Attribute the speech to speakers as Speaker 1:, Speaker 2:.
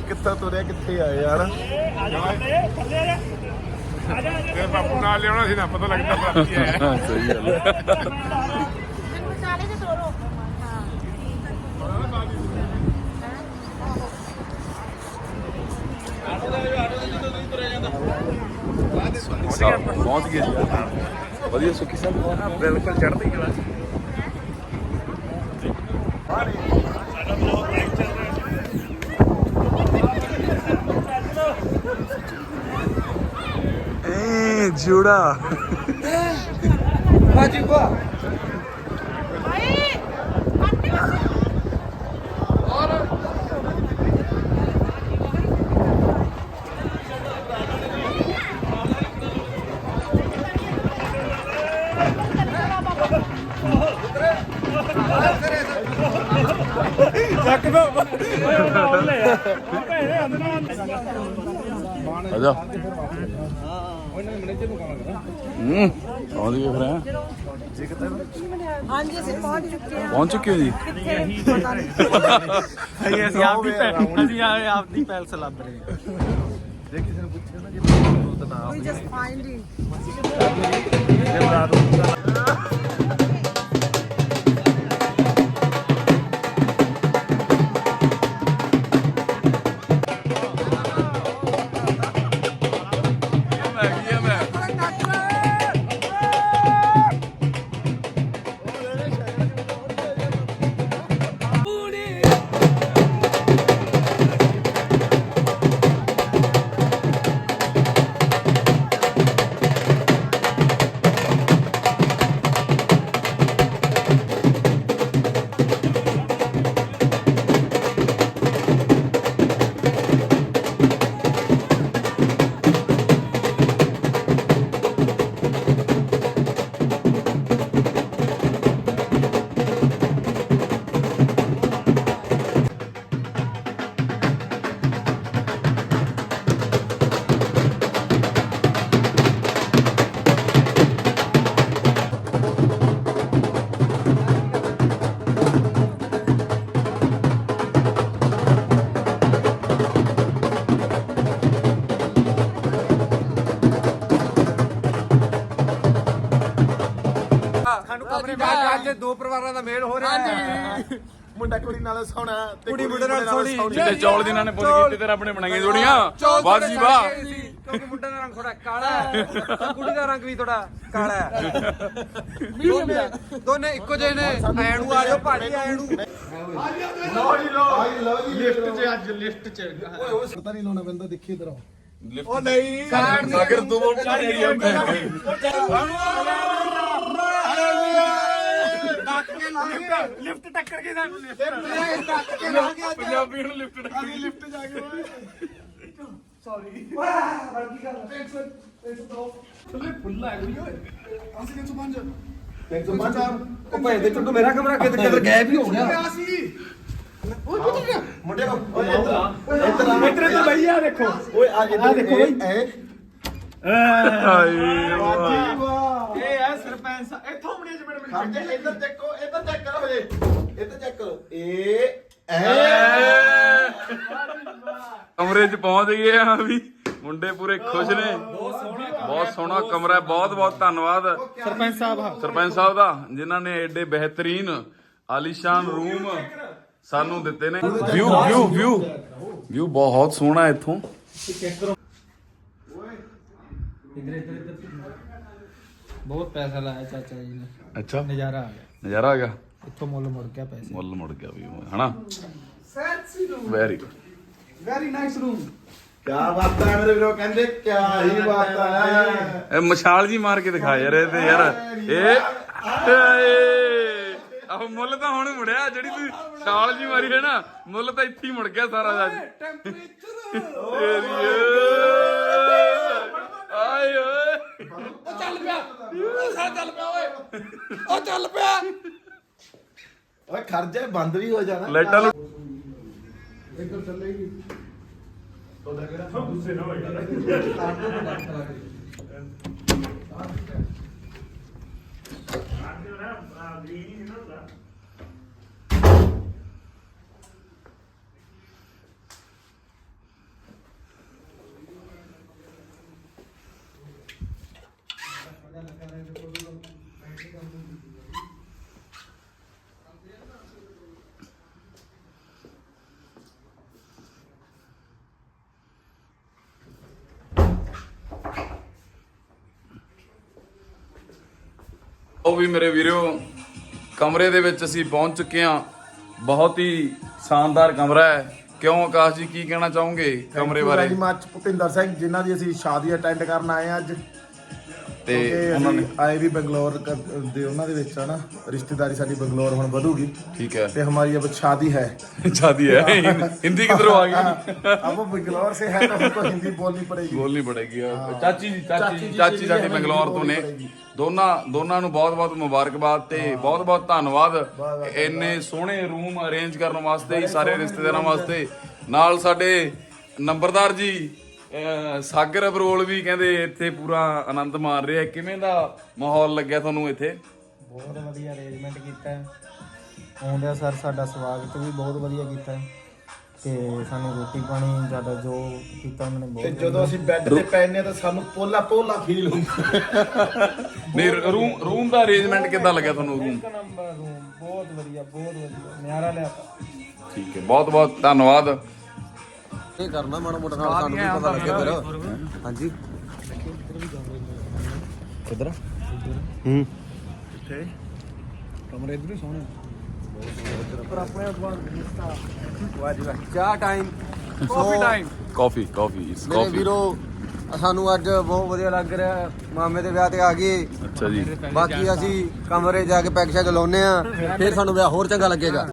Speaker 1: ਕਿੱਥੋਂ ਤੁਰਿਆ ਕਿੱਥੇ ਆਏ ਯਾਰ।
Speaker 2: ਤੇ ਬਾਪੂ ਨਾਲ ਲਿਆਉਣਾ ਸੀ ਨਾ ਪਤਾ ਲੱਗਦਾ ਬਾਕੀ ਹੈ।
Speaker 1: ਸਹੀ ਗੱਲ ਹੈ। ਪਹੁੰਚ ਗਏ ਜੀ। ਵਧੀਆ ਸੁੱਖੀ ਸਾਹਿਬ
Speaker 2: ਬਿਲਕੁਲ ਚੜ੍ਹਦੀ ਕਲਾ।
Speaker 1: ਜੂੜਾ
Speaker 3: ਬਾਜੀ ਕੋ
Speaker 1: ਆਜਾ ਆਉਂਦੀ ਫਿਰ
Speaker 4: ਹਾਂਜੀ ਅਸੀਂ ਪਹੁੰਚ ਚੁੱਕੇ ਹਾਂ।
Speaker 1: ਪਹੁੰਚ ਚੁੱਕੇ ਹੋ ਜੀ।
Speaker 3: ਅਸੀਂ ਆਪਦੀ ਪੈਲਸ ਲੱਭ ਰਹੇ
Speaker 1: ਜੇ ਕਿਸੇ ਨੂੰ ਪੁੱਛੇ ਨਾ ਜੇ ਤਾਂ
Speaker 4: We just finding.
Speaker 3: ਸਾਨੂੰ ਕਮਰੇ ਬਾਅਦ ਅੱਜ ਦੋ ਪਰਿਵਾਰਾਂ ਦਾ ਮੇਲ ਹੋ ਰਿਹਾ ਹੈ।
Speaker 1: ਮੁੰਡਾ ਕੁੜੀ ਨਾਲ ਸੋਹਣਾ ਤੇ
Speaker 3: ਕੁੜੀ ਮੁੰਡੇ ਨਾਲ ਸੋਹਣੀ।
Speaker 1: ਤੇ ਚੌਲ ਜਿਨ੍ਹਾਂ ਨੇ ਪੁੱਤ ਕੀਤੇ ਤੇ ਰੱਬ ਨੇ ਬਣਾਈਆਂ ਜੋੜੀਆਂ। ਵਾਹ ਜੀ ਵਾਹ।
Speaker 3: ਕਿਉਂਕਿ ਮੁੰਡੇ ਦਾ ਰੰਗ ਥੋੜਾ ਕਾਲਾ ਹੈ ਤੇ ਕੁੜੀ ਦਾ ਰੰਗ ਵੀ ਥੋੜਾ ਕਾਲਾ ਹੈ। ਦੋਨੇ ਇੱਕੋ ਜਿਹੇ ਨੇ। ਐਣੂ ਆ ਜਾਓ ਭਾਜੀ ਐਣੂ।
Speaker 2: ਲਿਫਟ 'ਚ ਅੱਜ ਲਿਫਟ 'ਚ
Speaker 1: ਓਏ ਪਤਾ ਨਹੀਂ ਲਾਉਣਾ ਪੈਂਦਾ ਦੇਖੀ ਇਧਰ
Speaker 2: ਉਹ ਨਹੀਂ
Speaker 1: ਅਗਰ ਤੂੰ ਉਹ ਚੜੀ ਆ
Speaker 2: ਲਿਫਟ ਟੱਕਰ ਕੇ ਸਾਨੂੰ ਲਿਫਟ
Speaker 1: ਪੰਜਾਬੀ ਨੂੰ ਲਿਫਟ ਟੱਕਰੀ
Speaker 2: ਲਿਫਟ ਜਾ ਕੇ
Speaker 3: ਉਹ ਭਾਈ ਦੇ ਚੁੱਟੂ ਮੇਰਾ ਕਮਰਾ ਕਿੱਧਰ ਗਾਇਬ ਹੀ ਹੋ ਗਿਆ।
Speaker 1: ਮੁੰਡੇ ਇੱਧਰ
Speaker 2: ਤਾਂ ਭਈਆ ਦੇਖੋ
Speaker 1: ਓਏ ਆ ਦੇਖੋ ਬਈ
Speaker 2: ਇਹ ਹੈ ਸਰਪੰਚ ਇੱਥੋਂ ਮੁੰਡੇ ਚ ਮੇਰੇ
Speaker 1: ਖਰਚੇ ਇੱਧਰ ਦੇਖੋ ਇੱਧਰ ਚੈੱਕ ਕਰੋ ਹਜੇ ਇੱਧਰ ਚੈੱਕ ਕਰੋ ਕਮਰੇ 'ਚ ਪਹੁੰਚ ਗਏ ਆ ਵੀ ਮੁੰਡੇ ਪੂਰੇ ਖੁਸ਼ ਨੇ। ਬਹੁਤ ਸੋਹਣਾ ਕਮਰਾ ਹੈ। ਬਹੁਤ ਬਹੁਤ ਧੰਨਵਾਦ ਸਰਪੰਚ ਸਾਹਿਬ ਦਾ ਜਿਨ੍ਹਾਂ ਨੇ ਐਡੇ ਬਿਹਤਰੀਨ ਆਲੀਸ਼ਾਨ ਰੂਮ ਸਾਨੂੰ ਦਿੱਤੇ ਨੇ। ਵਿਊ ਬਹੁਤ ਸੋਹਣਾ ਹੈ ਇੱਥੋਂ।
Speaker 3: ਬਹੁਤ ਪੈਸਾ ਲਾਇਆ ਚਾਚਾ ਜੀ ਨੇ।
Speaker 1: ਅੱਛਾ
Speaker 3: ਨਜ਼ਾਰਾ ਆ ਗਿਆ।
Speaker 1: ਨਜ਼ਾਰਾ ਆ ਗਿਆ।
Speaker 3: ਇੱਥੋਂ ਮੁੱਲ ਮੁੜ ਗਿਆ ਪੈਸੇ।
Speaker 1: ਮੁੱਲ ਮੁੜ ਗਿਆ ਵੀ ਹਨਾ। Very good
Speaker 3: very nice room.
Speaker 1: ਕਿਆ ਬਾਤ ਹੈ ਮੇਰੇ ਵੀਰੋ ਕਹਿੰਦੇ ਕਿਆ ਹੀ ਬਾਤ ਹੈ। ਇਹ ਮਸ਼ਾਲ ਜੀ ਮਾਰ ਕੇ ਦਿਖਾ ਯਾਰ ਇਹ ਤੇ ਯਾਰ ਆਹ ਮੁੱਲ ਤਾਂ ਹੁਣ ਮੁੜਿਆ ਜਿਹੜੀ ਤੂੰ ਛਾਲ ਜੀ ਮਾਰੀ ਹੈ ਨਾ ਮੁੱਲ ਤਾਂ ਇੱਥੇ ਹੀ ਮੁੜ ਗਿਆ ਸਾਰਾ ਅੱਜ। ਆਏ ਓਏ
Speaker 3: ਉਹ ਚੱਲ ਪਿਆ ਓਏ ਉਹ ਚੱਲ ਪਿਆ।
Speaker 1: ਓਏ ਖਰਚਾ ਬੰਦ ਵੀ ਹੋ ਜਾਣਾ ਲਾਈਟਾਂ
Speaker 2: ਇੱਧਰ ਚੱਲੇਗੀ ਤੁਹਾਡਾ ਕਿਹੜਾ ਗੁੱਸੇ ਨਾ ਹੋਏਗਾ
Speaker 1: ਉਹ ਵੀ ਮੇਰੇ ਵੀਰੋ ਕਮਰੇ ਦੇ ਵਿੱਚ ਅਸੀਂ ਪਹੁੰਚ ਚੁੱਕੇ ਹਾਂ। ਬਹੁਤ ਹੀ ਸ਼ਾਨਦਾਰ ਕਮਰਾ ਹੈ। ਕਿਉਂ ਆਕਾਸ਼ ਜੀ ਕੀ ਕਹਿਣਾ ਚਾਹੋਗੇ ਕਮਰੇ ਬਾਰੇ?
Speaker 5: ਵੈਰੀ ਮੱਚ ਭੁਪਿੰਦਰ ਸਿੰਘ ਜਿਨ੍ਹਾਂ ਦੀ ਅਸੀਂ ਸ਼ਾਦੀ ਅਟੈਂਡ ਕਰਨ ਆਏ ਆ ਅੱਜ
Speaker 1: ਤੇ
Speaker 5: ਤੇ
Speaker 1: ਉਹਨਾਂ ਨੇ
Speaker 5: ਆਏ ਵੀ ਬੰਗਲੌਰ ਦੇ ਉਹਨਾਂ ਦੇ ਵਿੱਚ ਹਨਾ ਰਿਸ਼ਤੇਦਾਰੀ ਸਾਡੀ ਬੰਗਲੌਰ ਹੁਣ ਵਧੂਗੀ
Speaker 1: ਠੀਕ ਹੈ
Speaker 5: ਤੇ हमारी अब शादी है।
Speaker 1: शादी है हिंदी किधरों आ गई?
Speaker 5: अब वो बंगलौर से है तो हमको हिंदी बोलनी पड़ेगी।
Speaker 1: ਬੋਲਣੀ ਪੜੇਗੀ ਚਾਚੀ ਸਾਡੀ ਬੰਗਲੌਰ ਤੋਂ ਨੇ। ਦੋਨਾਂ ਨੂੰ ਬਹੁਤ ਮੁਬਾਰਕਬਾਦ ਤੇ ਬਹੁਤ ਬਹੁਤ ਧੰਨਵਾਦ ਇੰਨੇ ਸੋਹਣੇ ਰੂਮ ਅਰੇਂਜ ਕਰਨ ਵਾਸਤੇ ਸਾਰੇ ਰਿਸ਼ਤੇਦਾਰਾਂ ਵਾਸਤੇ। ਨਾਲ ਸਾਡੇ ਨੰਬਰਦਾਰ ਜੀ ਸਾਗਰ ਅਬਰੋਲ ਵੀ ਕਹਿੰਦੇ ਇੱਥੇ ਪੂਰਾ ਆਨੰਦ ਮਾਣ ਰਹੇ ਆ। ਕਿਵੇਂ ਦਾ ਮਾਹੌਲ ਲੱਗਿਆ ਤੁਹਾਨੂੰ ਇੱਥੇ?
Speaker 2: ਬਹੁਤ ਵਧੀਆ ਅਰੇਂਜਮੈਂਟ ਕੀਤਾ ਹੈ। ਆਉਂਦਿਆਂ ਸਰ ਸਾਡਾ ਸਵਾਗਤ ਵੀ ਬਹੁਤ ਵਧੀਆ ਕੀਤਾ ਹੈ ਤੇ ਸਾਨੂੰ ਰੋਟੀ ਪਾਣੀ ਜ਼ਿਆਦਾ ਜੋ ਕੀਤਾ ਉਹਨਾਂ ਨੇ
Speaker 5: ਤੇ
Speaker 2: ਬਹੁਤ
Speaker 5: ਜਦੋਂ ਅਸੀਂ ਬੈੱਡ ਤੇ ਪੈਨੇ ਤਾਂ ਸਾਨੂੰ ਪੋਲਾ ਫੀਲ ਹੁੰਦਾ।
Speaker 1: ਨਹੀਂ ਰੂਮ ਦਾ ਅਰੇਂਜਮੈਂਟ ਕਿੱਦਾਂ ਲੱਗਿਆ ਤੁਹਾਨੂੰ? ਰੂਮ
Speaker 2: ਇੱਕ ਨੰਬਰ ਰੂਮ ਬਹੁਤ ਵਧੀਆ ਨਿਆਰਾ ਲਿਆਤਾ।
Speaker 1: ਠੀਕ ਹੈ ਬਹੁਤ ਬਹੁਤ ਧੰਨਵਾਦ।
Speaker 3: ਇਹ ਕਰਨਾ ਮਾੜਾ ਮੋਟਾ ਨਾਲ ਸਾਨੂੰ ਵੀ ਪਤਾ ਲੱਗੇ ਫਿਰ। ਹਾਂਜੀ ਕਿੱਧਰ?
Speaker 5: ਕਿੱਥੇ?
Speaker 3: ਕਮਰੇ ਇਧਰ ਹੀ ਸੋਹਣੇ ਪਰ ਆਪਣੇ ਚਾਹ ਟਾਈਮ
Speaker 1: ਕਾਫੀ ਇਟਸ
Speaker 3: ਮੇਰੇ
Speaker 1: ਕਾਫੀ।
Speaker 3: ਵੀਰੋ ਸਾਨੂੰ ਅੱਜ ਬਹੁਤ ਵਧੀਆ ਲੱਗ ਰਿਹਾ। ਮਾਮੇ ਦੇ ਵਿਆਹ ਤੇ ਆ ਗਏ।
Speaker 1: ਅੱਛਾ ਜੀ
Speaker 3: ਬਾਕੀ ਅਸੀਂ ਕਮਰੇ ਜਾ ਕੇ ਪੈਗ ਸ਼ੈਗ ਲਾਉਨੇ ਆ ਫਿਰ ਸਾਨੂੰ ਵਿਆਹ ਹੋਰ ਚੰਗਾ ਲੱਗੇਗਾ।